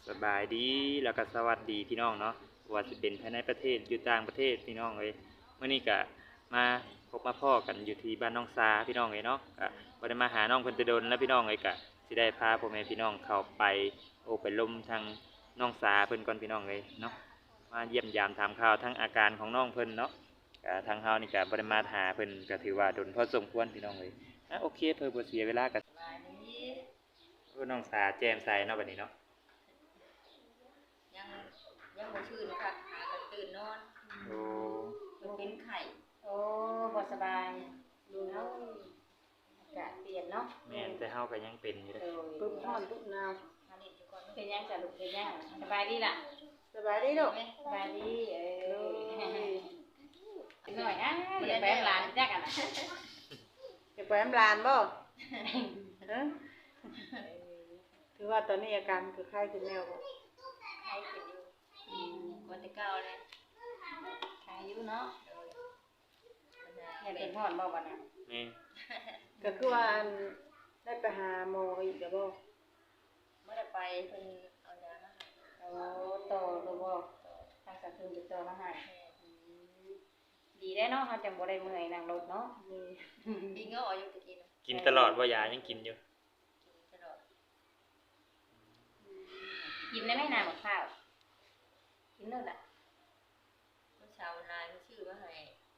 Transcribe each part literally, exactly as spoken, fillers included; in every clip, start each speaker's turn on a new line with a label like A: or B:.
A: สบายดีแล้วก็สวัสดีพี่น้องเนาะว่าจะเป็นภายในประเทศอยู่ต่างประเทศพี่น้องเลยเมื่อนี้ก็มาพบมาพ่อกันอยู่ที่บ้านน้องซาพี่น้องเลยเนาะก็บ่ได้มาหาน้องเพิ่นแต่โดนแล้วพี่น้องเลยก็สิได้พาพ่อแม่พี่น้องเข้าไปโอ้ไปลมทางน้องซาเพิ่นก่อนพี่น้องเลยเนาะมาเยี่ยมยามถามข่าวทั้งอาการของน้องเพิ่นเนาะก็ทางเฮานี่ก็บ่ได้มาหาเพิ่นก็ถือว่าโดนพอสมควรพี่น้องเลยอ่ะโอเคเพิ่นบ่เสียเวลาก็โอ้น้องซาแจ่มใสเนาะบัดนี้เนาะ
B: ยังยังบ่ชื่นค่ะหากันตื่นนอน
A: โอ้
B: มันเป็นไข่
C: โอ้บ่สบายดูเนาะอากาศเปลี่ยนเนาะ
A: แม่นแต่เฮาก็ยังเป็นอยู่เด้อ
C: ปึ๊บร้อนปึ๊บหนาว
B: มาเล่นอยู่ก่อน
C: เป็นยังจ้ะลูกเป็นยังสบายดีล่ะ
B: สบายดีลูก
C: สบายดีเออหน่อยอ่ะอย่าไปหลานจักอ่ะนะ
B: จะไปน้ำลานบ่ฮะคือว่าตอนนี้อาการคือไข้ขึ้นแล้วบ่ไข้ขึ้นอยู่อืมคนที่เก้าเลย
C: ไข้อยู่เนาะอย่าเป็นร้อนบ่บัดน่ะ
A: แม่
B: ก็คือว่าได้ไปหาหมออีกแล้วบ่
C: บ่ได้ไปเพิ่นเอายามาให้โอ้ต่อหรือบ่ทางสะคืนไปต่อมาให้ดีได้เนาะเฮาจังบ่ได้เมื่อยนั่งรถเนาะ
B: กินก็อยู่ตะกี้
A: กินตลอดบ่ยายังกินอยู่
B: กินตลอด
C: กินได้ไหมน้ำมะพร้าวกินเด้อล่ะ
B: เมื่อเช้าลานชื่อมาให้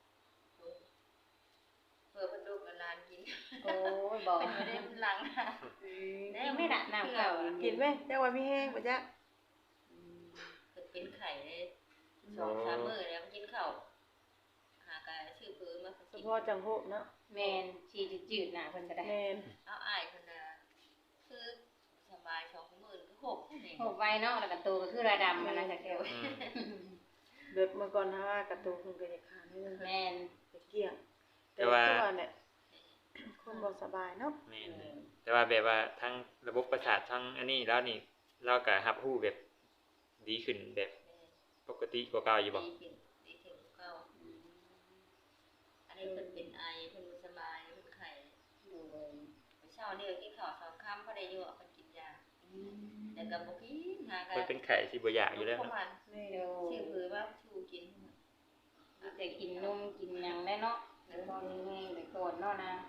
B: เพื่อเพิ่นลูกกับลานกิน
C: โอ้ยบ่
B: เป็นบ่ได้หลัง
C: ได้ไม่น่ะน้ำเก่า
B: กินไหมจังว่ามีแห้งบ่จ๊ะอืมเพิ่นเป็นไข้ได้สองสามมื้อแล้วมันกินข้าวหากะชื่อเพิ่นมาเฉพาะจังโหเนาะ
C: แม่นชีจืดๆน่ะเพิ่นก็ได้
B: แม่นเอาอ้ายเพิ่นน่ะคือสบายสองมื้อก็หกนี่
C: หกไว้เนาะแล้วก็โตก็คือระดำมันน่ะจักเดียว
B: เด็กเมื่อก่อนถ้ากระตูเพิ่นก็จะขาดนิดนึง
C: แม่น
B: ไปเกี่ยงแต่ว่าเนี่ยคนบ่สบายเนาะ
A: แม่นแต่ว่าแบบว่าทั้งระบบประสาททั้งอันนี้แล้วนี่เราก็รับรู้แบบดีขึ้นแบบปกติกว่าเก่าอยู่บ่
B: ดีขึ้นดีขึ้นกว่าเก่าอันนี้เพิ่นเป็นไอเพิ่นบ่สบายเพิ่นไข้อยู่มื้อเช้านี่กินข้าวสองค่ำพอได้อยู่เพิ่นกินยาแต่ก็บ่กินหา
A: ก็เพิ่นเป็นไข้สิบ่อยากอยู่แล้วเนาะ
B: นี่ชื่อเพิ่นว่าชูกิน
C: แต่กินนมกินหยังได้เนาะแต่ตอนนี้แต่ก่อนเนาะนะ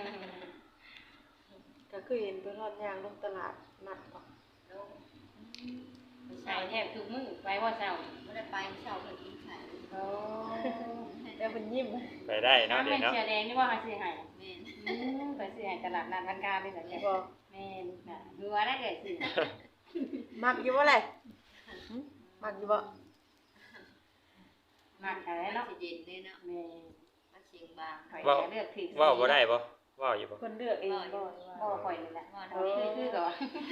B: ก็คือเห็นเพิ่นฮอดย่างลงตลาดนัดบ่
C: ลงใช่แทบทุกมื้อไปว่าเช้า
B: บ่ได้ไปเช้าเพิ่นกินไข่
C: โอ้
B: แต่เพิ่นยิ้ม
A: ไปได้เนาะเดี๋ยวเนาะ
C: แม่เสียแดงนี่ว่าเฮาสิให้แม่นอือไปสิให้ตลาดนัดวันกานี่แหละจ้ะบ่แม่นน่ะหัวได้เด้อสิ
B: มักอยู่บ่ล่ะมักอยู่บ่
C: มักอะไรเนาะ
B: สิเย็นเด้เนาะ
C: แม่
B: มันเสียงบาง
A: เว้าเลือกผิดเว้าบ่ได้บ่เว้าอยู่บ่
B: เพิ่นเลือกเองบ่
C: บ่ค่อยนี่แหละคือคือก็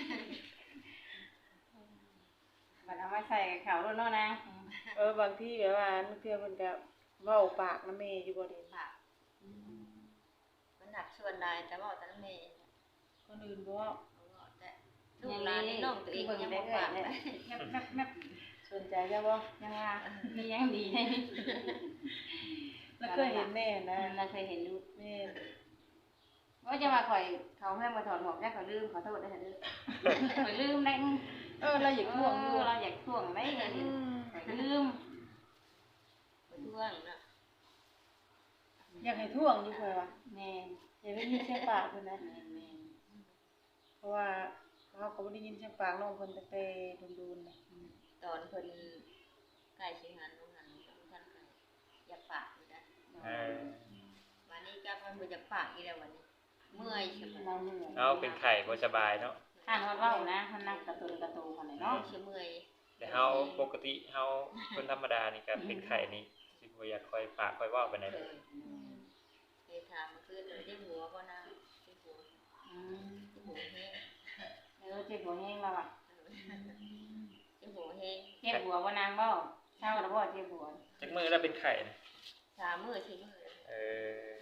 C: มันเอามาใส่ข้าวโลดเนาะนะ
B: เออบางทีแบบว่าเทื่อเพิ่นก็เว้าปากนำแม่อยู่บ่ได้ปากมันหนักส่วนใดแต่เว้าแต่นำแม่คนอื่นบ่เว้าแต่ลูกหลานนี่น้องตัวเองยังบ่ปากแม่สนใจจ้ะบ่
C: ยังว่ามียังดีให้
B: แล้วเคยเห็นแม่นะ
C: เราเคยเห็นลูก
B: แม่
C: ว่าจะมาข่อยเขาให้มาถอดหมวกแค่เขาลืมขอโทษด้วยค่ะลืมข่อยลืมได้
B: เออเราอยากท่วงอยู่
C: เราอยากท่วงได้ไงข่อยลืม
B: ข่อยท่วงนะอยากให้ท่วงอยู่ข่อยว่า
C: แม่
B: อย่าได้ยินเสียงปากเพิ่นนะแม่เพราะว่าเขาก็บ่ได้ยินเสียงปากน้องเพิ่นตั้งแต่ดุนๆน่ะตอนเพิ่นใกล้สิหันลงหันท่านก็อยากปากอยู่นะ
A: เออ
B: วันนี้ก็เพิ่นบ่อยากปากอีแล้ววันนี้เมื่อยใช่มั้ยเราเมื่อย
A: เอาเป็นไข้บ่สบายเนาะ
C: ข้างฮอดเว้านะเฮานักกระตุนกระตูคั่นเนาะ
B: สิเมื่อย
A: แต่เฮาปกติเฮาคนธรรมดานี่ก็เป็นไข้นี่สิบ่อยากค่อยปากค่อยเว้าปานใดเด้อ
B: เคยถามเมื่อคืนเลยได้หัวบ่นางได้หัวอืมได้หัวแห้ง
C: เออเจ็บหัวแห้งแล้วอ่ะ
B: เจ็บหัวแห้ง
C: เจ็บหัวบ่นางบ่เช้าแล้วบ่เจ็บหัว
A: จักมื้อแล้วเป็นไข้นะ
B: สามมื้อสี่มื้อ
A: เออ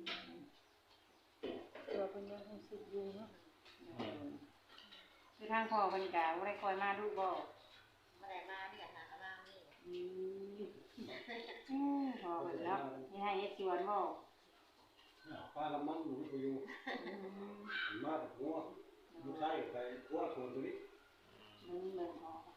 B: ตัวเพิ่นยังรู้สึกอยู่เนาะ
C: คือทางพ่อเพิ่นก็บ่ได้คอยมาดูบ่
B: บ่ได้มาเนี่ยหาบ้างนี่
C: อืมอือพอเพิ่นเนาะนี่ให้เฮ็ดสวนบ่
D: ป้าละมันหนูอยู่มาแต่หัวลูกชายไปหัวโซนตัวนี้
C: มันเหมือนพอ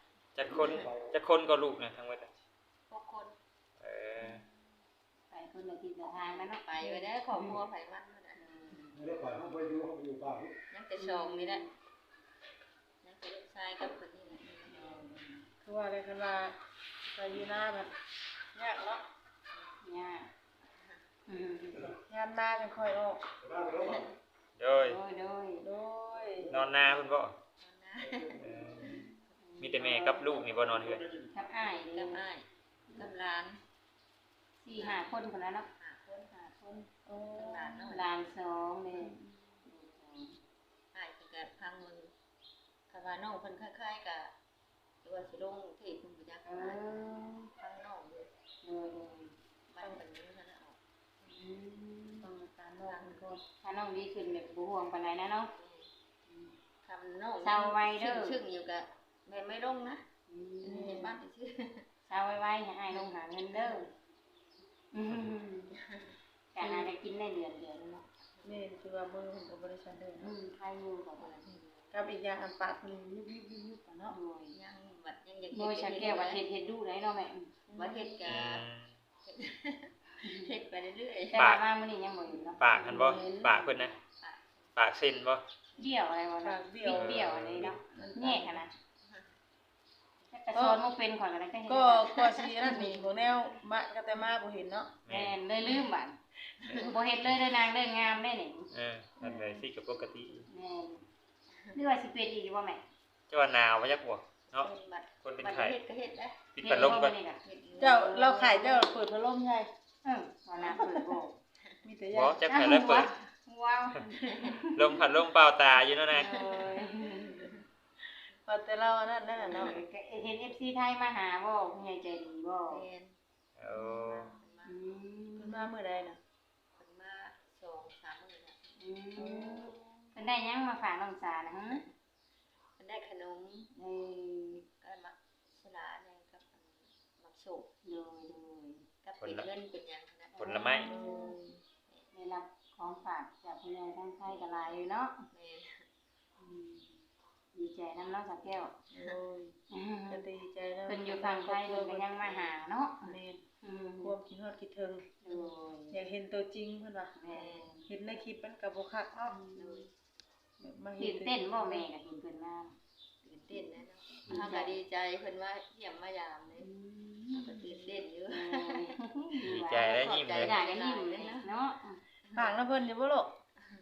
A: คนจักคนก็ลูกนะทั้งหมดอะ
B: หกคน
A: เออ
C: ไปคนละทิศละทางแล้วเนาะ
B: ไปไว้ได้ครอบครัวไผมันนั่นน่ะ
D: ไม่ได้ไปห้องไปอยู่ห้องไปอยู่ป่า
B: ยังแต่สองนี่แหละยังแต่ลูกชายกับคนนี้แหละ
E: คือว่าอะไรกันว่าไปอยู่หน้าแบบยากเนาะ
C: ยากอืม
E: งานมาจังค่อยออก
D: ได้ไปแล้ว
A: โดย
C: โดยโดย
E: โดย
A: นอนนาเพิ่นบ่
B: นะ
A: เออมีแต่แม่กับลูกนี่บ่นอนเฮือน
C: กับอ้าย
B: กับอ้ายกับหลาน
C: สี่ห้าคนคนนั้นเนาะ
B: ห้าคน
C: ห้าคน
E: โอ้
B: กับหลานเนาะ
C: หลานสองเลย
B: อ้ายเพิ่นก็พังมึงคำว่าน้องเพิ่นคล้ายๆกับหรือว่าสิลงเทศเพิ่นบ่จัก
C: เออ
B: พังน้องอยู่
C: โดยโดย
B: บ้านเพิ่นอยู่นั่นน่ะออก
C: อืม
E: ต้องการนอกมันก็
C: ถ้าน้องดีขึ้นแบบบ่ห่วงปานใดนะเนาะ
B: คำน้อง
C: เศร้าไว้เด้อ
B: ชึ่งๆอยู่ก็แม่ไม่ลงนะ
C: อื
B: อันนี้เห็น
C: ม
B: บ้านชื่อ
C: เศร้าไว้ๆให้อ้ายลงหาเงินเด้ออืมการหาได้กินได้เดือนเดือนเนาะ
E: นี่คือว่ามือของบริษัทเดิม
C: อืมใครอยู่กับเพิ่น
E: กับอีกอย่างอันปากมันยุบยุบยุบยุบกันเนาะ
C: โดย
B: ยังบัดยังอยาก
C: โดยฉันแก้วว่าเฮ็ดเฮ็ดดูได้เนาะแม่
B: ว่าเฮ็ด
A: อื
B: กะ
A: ม
B: เฮ็ดไปเรื่อย
C: แต่ว่ามามื้อนี้ยังบ่อยู่เนาะ
A: ปากหันบ่ปากเพิ่นนะปากเส้นบ่
C: เบี้ยวอะไรวะ
E: ปา
C: เนาะ
E: กเบี้
C: เบี้
E: ย
C: ยว วเบี้ยวอะไรเนาะแง่ค่ะนะแต่สอนบ่เป็นข่อยก็ได้
E: ก็ก็สินั่นนี่ของแนวมะก็แต่มาบ่เห็นเนาะ
C: แม่นเลยลืมบัดบ่เฮ็ดเลยเด้อนางเด้องามได้นี่
A: เออนั่นเลยสิก็ปกติ
C: แม่นหรือว่าสิเป็นอีกบ่แม่
A: เจ้าว่าหนาวบ่จักบ่
B: ๆ
A: เนาะ
B: บัด
A: คนเป็น
B: บัด
A: ไข้
B: เฮ็ดก็เฮ็ดนะ
A: ปิดพัดลมก่อน
C: เฮ็ดบ่
B: เฮ็ดอยู่
E: เจ้าเราขายเจ้าเปิดพัดลมใช่
C: เออว่าน้ำเปิดบ่
E: มีแต่
A: บ่
E: ยา
A: จักไผแล้วเปิด
C: ว้าว
A: ลมพัดลมเป่าตาอยู่เนาะนะ
C: โอ้ย
E: พอแต่เราอันนั่นนั่นน่ะ
C: เนาะ
E: เนาะ
C: เห็น เอฟ ซี ไทยมาหาบ่ผู้ใหญ่ใจดีบ่
B: แม่น
A: โอ้
C: อื
E: เพิ่น
C: ม
E: มาเมื่อใดน่ะ
B: เพิ่นมาสองสามมื้อแล้ว
C: อืมเพิ่นได้หยังมาฝากน้องสานะฮะ
B: เพิ่นได้ขนม
C: เออ
B: ก็มาสลาเนี่ยกับอันมักโศก
C: โดยโดย
B: กับเป็นเงินเป็นหยังนะ
A: ผลไม้
C: เออได้รับของฝากจากผู้ใหญ่ทางไทยก็หลายอยู่เนาะ
B: แม่น
C: อืมดีใจนำน้องสักแก้ว
E: โอ้ย
C: อืม
E: ก็ดีใจแล้ว
C: เพิ่นอยู่ฝั่งไทยเพิ่นก็ยังมาหาเนาะ
E: แม่น
C: อืม
E: ความคิดฮอดคิดถึง
C: โดย
E: อยากเห็นตัวจริงเพิ่นว่า
C: แม่
E: เห็นในคลิปมันก็บ่คักเนาะ
B: โดย
E: แบบมา
C: ตื่
E: เห็
C: น
E: น
C: เต้นบ่แม่ก็เห็นเพิ่นมา
B: ตื่นเต้นนะเนาะเฮาก็ดีใจเพิ่นว่าเยี่ยมมายามเลยเฮาก็ตื่นเต้นอยู่
A: ดีใจและยิ้มเลย
C: อยากกันยิ้มเลยเนาะ
E: ฝากนะเพิ่นอยู่บ่ลูก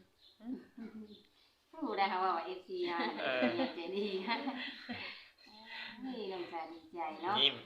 C: รู้ได้ค่ะว่า เอฟ ซี อ่ะใจดีฮะนี่น้องสาดีใจเนาะ
A: ยิ้ม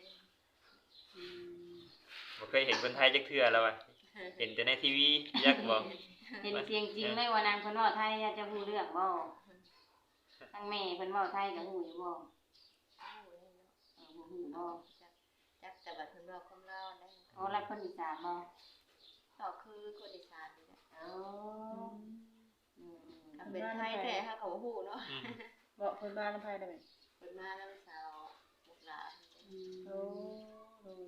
A: บ่เคยเห็นคนไทยจักเทื่อแล้วอ่ะเห็นแต่ในทีวียักบ่
C: เห็นเสียงจริงเลยว่านางเพิ่นเว้าไทยจะฮู้เรื่องบ่ทั้งแม่เพิ่นเว้าไทยก็ฮู้อยู่บ่เออบ่ฮู้บ่
B: จักแต่บัดเพิ่นว่าความลาวได้
C: โอ้รักคนอีสานบ่
B: ก็คือคนอีสานนี่แหละ
C: โอ้อืม
B: ถ้าเป็นไทยแท้เฮาก็บ่ฮู้เนาะ
A: อืม
E: บอกเพิ่นมาน้ำไผได้ไหม
B: เพิ่นมาแล้วสาวบุกหลาน
E: โอ้โห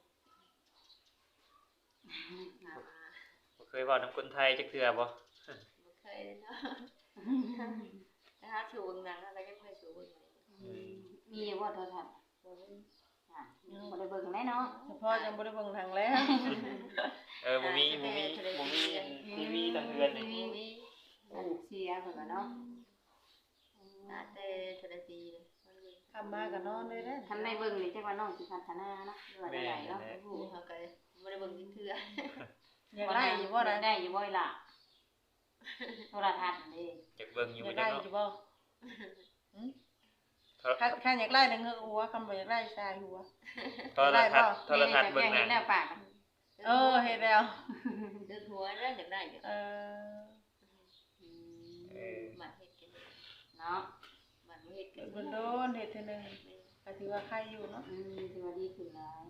B: ถามมา
A: บ่เคยเว้านำคนไทยจักเทื่อบ่
B: บ่เคยเลยเนาะถ้าหาสู่เบิ่งหนังอะไรก็ไม่เคยสู่เบิ่งเลย
A: อืม
C: มีอยู่บ่โทรทัศน์
B: บ่มี
C: อ่ะบ่ได้เบิ่งแน่เนาะ
E: เฉพาะยังบ่ได้เบิ่งทางแล้ว
A: เออบ่มีบ่มีบ่มีทีวีทางเรือนนี่
B: บ่มี
C: อันเสียเพิ่นก็เนาะ
B: ตาแต่ทะเลปีเลยมันมี
E: ทำมาก็นอนเลยเด้อ
C: คันได้เบิ่งนี่จักว่าน้องสิพัฒนาเนาะหรือว่าได้เนาะ
B: ผู้เฮาก็บ่ได้เบิ่งเทื่อ
E: อยากได้อยู่บ่
C: ได้
E: ล่ะ
C: ได้อยู่บ่ล่ะโทรทัศน์นี่
A: อยากเบิ่งอยู่
E: อยา
A: บ่
E: ก
A: จั
E: ได้
A: ก
E: อ
A: เนาะ
E: ยู่บ่หึ
A: โทร
E: คันคันอยากได้น่ะเงือกหัวคันบ่อยากได้ชายหัว
A: โทรทัศน์โทรทัศน์เบิ่งหนัง
C: เห็นแล้วปาก
E: เออเฮ็ดแล้ว
B: ดึกหัวแล้วอยากได้อยู่
E: เออ
A: เออ
B: มาเฮ็ดกัน
C: เนาะ
B: มันบ่เฮ็ดกัน
E: เพิ่นโดนเฮ็ดเทื่อนึงก็ถือว่าใครอยู่เนาะ
C: อืมถือว่าดีขึ้นหลาย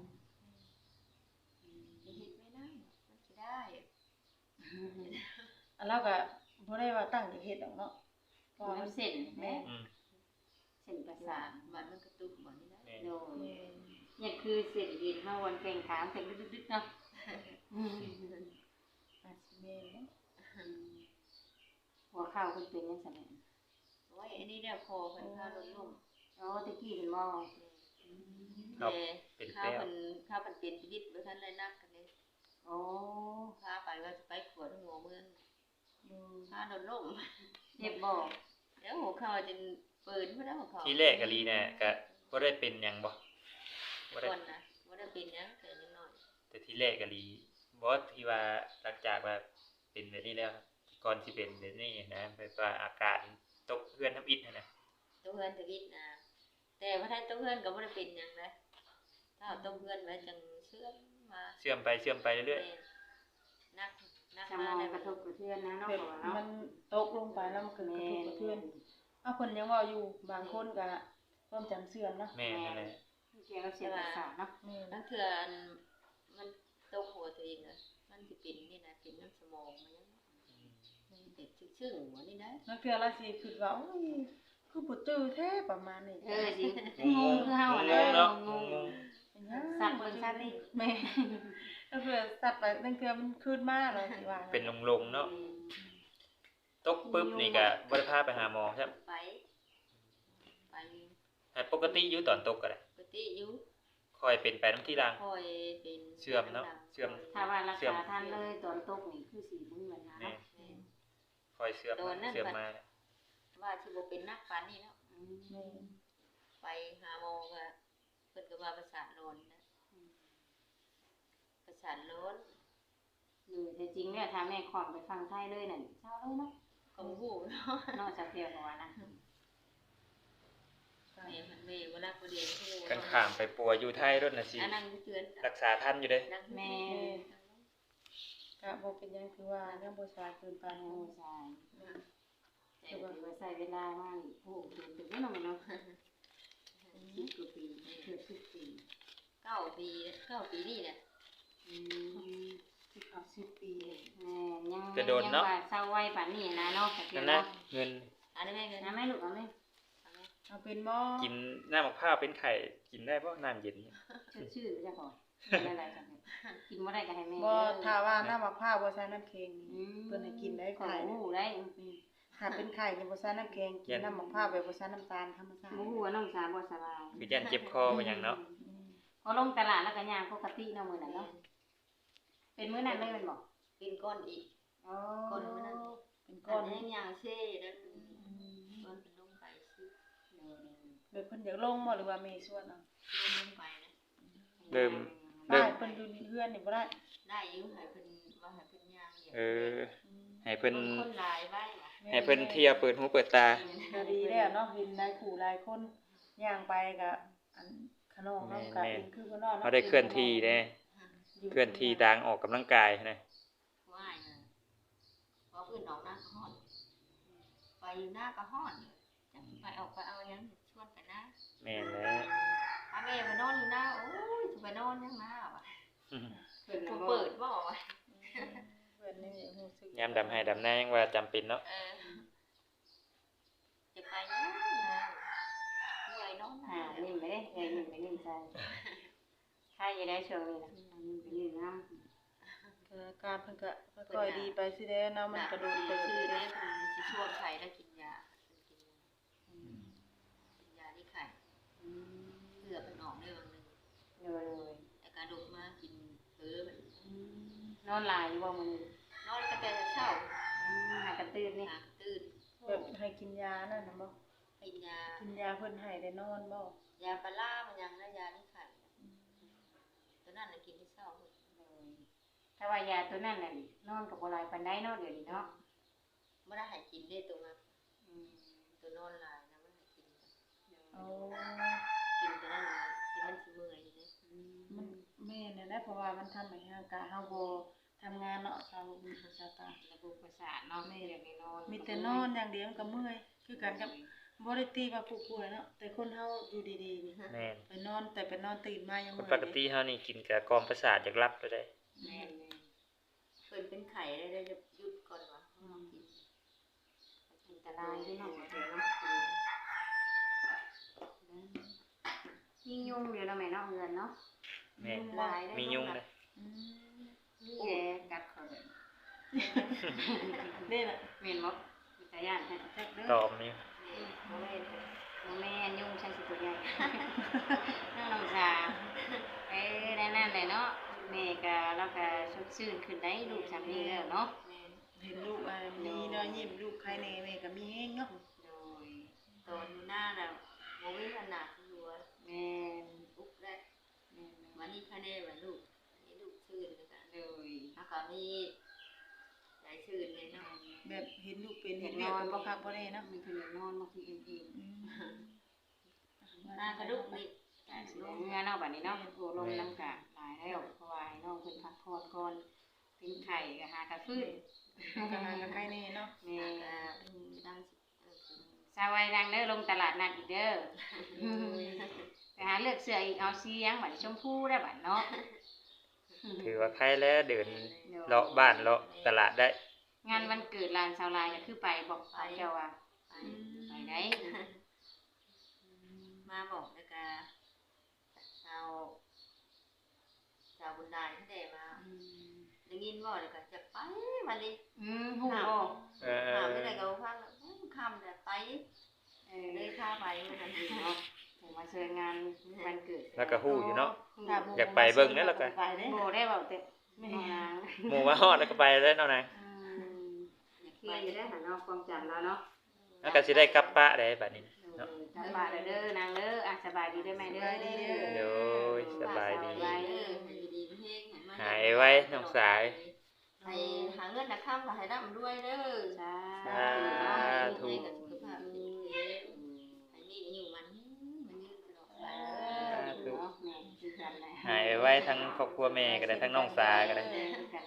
B: เฮ็ดไม่ได้มันสิได้
E: อันเราก็บ่ได้ว่าตั้งใจเฮ็ดดอกเนาะเพราะว่า
C: มั
E: มัน น
C: เส้นแม่
A: อืม
C: เส้นประ
B: สา
C: สาท
B: มันมันกระตุกบ่นี่นะ
A: แม่น
C: โดย
E: แม่น
C: เนี่ยคือเส้นเอ็นเฮาวันแข่งขามเส้นดึกๆเนาะอืม
E: อาจสิแม่นเนาะ
C: หัวเข่าเพิ่นเป็นจังซั่นแหละ
B: โอ้ยอันนี้เนี่ยคอเพิ่นพาลดลง
C: อ๋อตะกี้เพิ่นบ่
B: อืม
A: ครับ
B: แต่
A: เป็น
B: ข้า
A: แป้
B: ว
A: ว
B: เพิ่นข้าวเพิ่นเป็นชีวิตบ่ทันได้นักกันเด้
C: โอ้
B: พาไปว่าสิไปขวดหัวเมือง
E: อืม
B: พาโดนล่ม
C: เจ็บบ่
B: เดี๋ยวหัวเข่าจนปืนพุ่นแล้วหัวเข่า
A: ทีแรกกะลีเนี่ยก็บ่ได้เป็นหยังบ่บ่ได้
B: ก่อนนะบ่ได้เป็นหยังแต่ยังน้อย
A: แต่ทีแรกกะลีบ่ที่ว่าหลังจากว่าเป็นแบบนี้แล้วก่อนสิเป็นแบบนี้นะแบบว่าอาการตกเพื่อนทำอิฐนั่นน่ะ
B: ตัวเพื่อนตะวิดนะแต่ว่าถ้าตัวเพื่อนก็บ่ได้เป็นหยังนะถ้าเอาตัวเพื่อนไว้จังเชื่อมมา
A: เชื่อมไปเชื่อมไปเรื่อย
B: แม่นักนัก
C: สม
B: มา
C: อง
B: ใน
C: กระทบกระเทือนนะเนาะ
E: แบบ
C: พ่อเนาะ
E: มันตกลงไปแล้วมันเกิดกระทบกระเทือนอ้าวเพิ่นยังเว้าอยู่บางคนก็ความจำเสื่อมเนาะ
A: ๆแม่นนั่นแหละ
C: เกี่ยวกับเสียงประสาทเนาะ
E: แม่น
B: นั่นคืออันมันตกหัวตัวเองน่ะมันสิเป็นนี่นะเป็นน้ำสมองมันยังมันเด็กซึ้งๆหัวนี่นะ
E: นักเทื่อละสิคิดว่าโอ้ยคือบ่ตื้อแท้ประมาณนี้
C: เออสิ
A: ง
C: ง
A: ง
C: งคือเฮา
A: ๆ
C: แล้
A: งงๆเนาะ
C: ว
A: งง
E: เป็นหยัง
C: สัตว์เบิ่งสัตว์นี่
E: แม่นักเทื่อสัตว์ไปนักเทื่อมันขึ้นมาแล้วสิว่า
A: ๆเป็นลงๆเนาะตกปึ๊บนี่ก็บ่ได้พาไปหาหมอครับ
B: ไปไป
A: ให้ปกติอยู่ตอนตกก็ได้
B: ปกติอยู่
A: ค่อยเป็นไปน้ำที่หลัง
B: คอยเป็น
A: เชื่อมเนาะเชื่อม
C: ถ้าว่ารักษาท่านเลยตอนตกนี่คือสิบ่มีปัญหา
A: แม่
C: เนาะ
B: แม่น
A: ค่อยเชื่อมมาเชื่อมมา
B: ว่าสิบ่เป็นนักปานนี้เนาะ
C: อืม
E: แม่น
B: ไปหาหมอก็เพิ่นก็ว่าประสาทร้อนนะประสาทร้อน
C: หรือแต่จริงเนี่ยถ้าแม่ขอมไปฟังไทยเลยนั่นเช้าเลยเนาะ
B: ก็บ่ฮู้เนาะ
C: นอกจากเพียงเพราะว่านะ
B: แม่มันแม่บ่รักบ่เรียนฮู้
A: กันข้ามไปปัวอยู่ไทยรถน่ะสิ
B: อันนั้นเตือน
A: รักษาทันอยู่เด้
B: นั่ง
C: แม่
E: ก็บ่เป็นหยังคือว่ายังบ่สายเกินไป
C: โอ้
E: เนาะ
C: ใช่ถือว่าใช้เวลามากโอ้โหถึงได้เนาะแม่เนาะสิบกว่าปีเกือบสิบปี
B: เก้าปีเก้าปีนี่แหละ
C: อืม
E: สิบเอาสิบปี
C: แม่ยัง
A: จะโดนเนาะ
C: ยังว่าเศร้าไว้ป่านนี้นะเนาะแต่เพีย
A: นั่
C: ง
A: นนะ
C: เนาะ
A: เงิน
B: อันนี้แม่เงิน
C: นะแม่ลูกเอาไหม
E: เอาเป็นบ่
A: กินน้ำมะพร้าวเป็นไข่กินได้บ่น้ำเย็นเนี่ย
C: ชื่อชื่อไปจ้ะก่อนอะไรจังกินบ่ได้ก็ให้แม่
E: บ่ถ้าว่าน้ำมะพร้าวบ่ใส่น้ำแข็ง
C: อื
E: นี่
C: ม
E: เพิ่นให้กินได้
C: ขอ
E: ไข่
C: งหูได้อืม
E: ถ้าเป็นไข่นี่บ่ใส่น้ำแข็งกินน้ำมะพร้าวแบบบ่ใส่น้ำตาลธรรมชาติ
C: บ่ฮู้ว่าน้องสาวบ่สบาย
A: คือยันเจ็บคอเป็นหยังเนาะ
E: อืม
C: พอลงตลาดแล้วก็ย่างปกติเนาะมื้อนั้นเนาะเป็นมื้อนั้นเลยแม่นบ่
B: กินก้อนอีก
C: อ๋อ
B: ก้อนมื้อนั้น
E: เป็น
B: ก้
E: ก้
B: อ
E: อน น
B: ยังย่างเช่แล้วก้อนเป็นลงไปซื้อ
E: แบบเพิ่นอยากลงบ่หรือว่ามีส่วนเอา
B: ลงไปนะ
A: เริ่ม
E: ได้
A: เริ่ม
E: เพิ่นอยู่เฮือนนี่บ่ได้
B: ได้อยู่ให้เพิ่นว่าให้เพิ่นย่างอย่าง
A: เออให้เพิ่น
B: คนหลายไว้ว่ะ
A: ให้เพิ่นเที่ยวเปิดหูเปิดตา
E: ก็ดีแล้วเนาะเห็นหลายคู่หลายคนย่างไปก็อันขนมเนาะก็เองคือเพิ่นเนาะ
A: เขาได้เคลื่อนที่เด้เคลื่อนที่ทางออกกำลังกายนะ
B: ว่ายนะพอเพิ่นออกหน้าก็ฮ้อนไปอยู่หน้าก็ฮ้อนจักไปออกไปเอาหยังชวนไปนะ
A: แม่นแล้ว
B: ถ้าแม่ไปนอนอยู่หน้าโอ้ยสิไปนอนยังนะว่ะ
A: อืม
C: เพิ่น
B: บ่
C: บ่
B: เปิดบ่ว่ะ
E: เพิ่นนี่รู้สึก
A: ยามดำให้ดำนายังว่าจำเป็นเนาะ
B: เออจะไปนะเมื่อยนอน
C: อ่า
B: นะ
C: นิ่มไปเด้เอ้ยนิ่มไปนิ่มใจใครจะได้ช่วงนี้นะนิ่มไปนิ่มน้ำ
E: เอออาการเพิ่นก็ค่อยๆดีไปสิเด้เนาะมันก็โดนเติบ
B: ชื่อ
E: เด้
B: เด้เพิ่นสิชวนไข่แล้วกินยากินยากินยาที่ไข่
C: อืม
B: เลือดมันออกได้บางนึง
C: เดี๋ยวเลย
B: แต่การดกมากินเผลอมัน
C: นอนหลายอยู่บ่มื้อนี้
B: นอนก็แต่เช้า
C: อืมหากระตื่นนี่
B: หาตื่น
E: แบบให้กินยานั่นน่ะบ่
B: กินยา
E: กินยาเพิ่นให้ได้นอนบ่
B: ยาปลาร้ามันยังนะยาที่ไข่ตอนนั้นน่ะกินที่เช้าเพิ่น
C: ถ้าว่ายาตัวนั้นน่ะนอนกับบ่หลายปานใดเนาะเดี๋ยวนี้เนาะ
B: บ่ได้ให้กินได้ตัวมา
C: อืม
B: ตัวนอนหลายนะบ่ได้ให้กิน
E: เอา
B: กินตัวนั้นน่ะที่มันสิเมื่อยอยู่เด้
E: มันแม่นแหละเพราะว่ามันทำให้ร่างกายเฮาบ่ทำงานเนาะทางประชาการ
C: ระบบประสาทเนาะแม่เดี๋ยวนี้นอน
E: มีแต่นอนอย่างเดียวมันก็เมื่อยคือกันกับบ่ได้ตีว่าผู้ป่วยเนาะแต่คนเฮาอยู่ดีๆนี่
A: แม่น
E: ไปนอนแต่ไปนอนตื่นมายัง
A: คน
E: เมื่อย
A: ปกติเฮานี่กินกับกล่อมประสาทอยากรับไปได้
C: แม่น
B: เพิ่นเป็นไข้ได้ได้จะหยุดก่อนว่าเฮากิน
C: อันตรายด้วยเนาะเดี๋ยวเนาะยิ่งยุ่งเดี๋ยวเราแม่เนาะเงินเนาะ
A: แม่น
C: หลายได้
A: มียุงเลย
E: อืม
C: นี่แหละกัดเขาเลย
E: นี่น่ะ
C: แม่นบ่มีตาย่านแท้จักเด้อ
A: ตอมนี่
C: บ่แม่นบ่แม่นยุ่งช่างสิตัวใหญ่
B: เออ
C: เลยเนาะแม่ก็แล้วก็สดชื่นขึ้นได้ลูกสามีแล้วเนาะ
B: แม่น
E: เห็นลูกอ่ะมีเนาะยิ้มลูกใครแน่แม่ก็มีแฮงเนาะ
C: โดย
B: ตอนอยู่หน้าน่ะบ่มีขนาดที่อยู่ว่า
C: แม่น
B: ปุ๊บแรก
C: แม่น
B: วันนี้คะแนนว่าลูกอันนี้ลูกชื่นแล้วกัน
C: โดย
B: แล้วก็มีหลายชื่นเลยเนาะ
E: แบบเห็นลูกเป็นเห็นเวียกก็บ่คักบ่แน่เนาะ
C: มีคนอยากนอนบางทีเอ็นเอ็น
E: อืม
B: หน้ากระดุกนี่
C: แต่สิได้เมื่อเนาะบัดนี้เนาะโอ้ลมน้ำกะหลายแล้วเพราะว่าให้น้องเพิ่นพักผ่อนก่อนเป็นไข่ก็หากระฟื้น
E: ก็หากับใครแน่เนาะ
C: แม่
B: แล้วก็ดังเออ
C: สาวไว้นางเด้อลงตลาดนัดอีกเด้อไปหาเลือกเสื้ออีกเอาสีหยังบัดชมพูได้บัดเนาะ
A: ถือว่าใครแล้วเดินเลาะบ้านเลาะตลาดได้
C: งานวันเกิดหลานสาวลายก็คือไปบอกเอาเจ้าว่า
B: ไป
C: ไปได้
B: มาบอกแล้วก็ชาวชาวบุญดาที่ได้มาได้ยินบ่แล้วก็จะไปวันนี้
C: อืมฮู้บ่
A: เอ
B: ถาม
A: อ
B: ไม่ได้ก็ฟังแล้วคำแต่ไป
C: เออ
B: เลยพาไปวันนั้น
C: เนาะถึงมาเชิญงานวันเกิด
A: แล้วก็ฮู้อยู่เนาะ
E: ถ้หมู่
A: อยากไปเบิ่งเด้อแล้วก็
E: ไปเด้
C: โบได้เบาแต่ไม่นาง
A: หมู่มาฮอดแล้วก็ไปแล้วเนาะนาง
C: เคลียร์อยู่ได้หาเนาะความจำแล้วเนาะ
A: แล้วก็สิได้กลับป้าได้บัดนี้
C: เนาะกลับบ้านแล้วเด้อนางเด้ออ่ะสบายดีได้ไหมเด้อ
A: โดยสบายดี
B: ไปเด้อให้ดีๆเพ่งให้มัน
A: หายไว้น้องสาย
B: ให้หาเงินนะข้ามก็ให้ร่ำรวยเด้อ
C: สา
A: สาธุ
B: ให้กับสุขภาพดีให้มีอายุมันมันยืนตลอดไป
C: ธุเนาะแม่คือกันแหละ
A: หายไว้ทั้งครอบครัวแม่ก็ได้ทั้งน้องสาก็ได้
C: เออคือกัน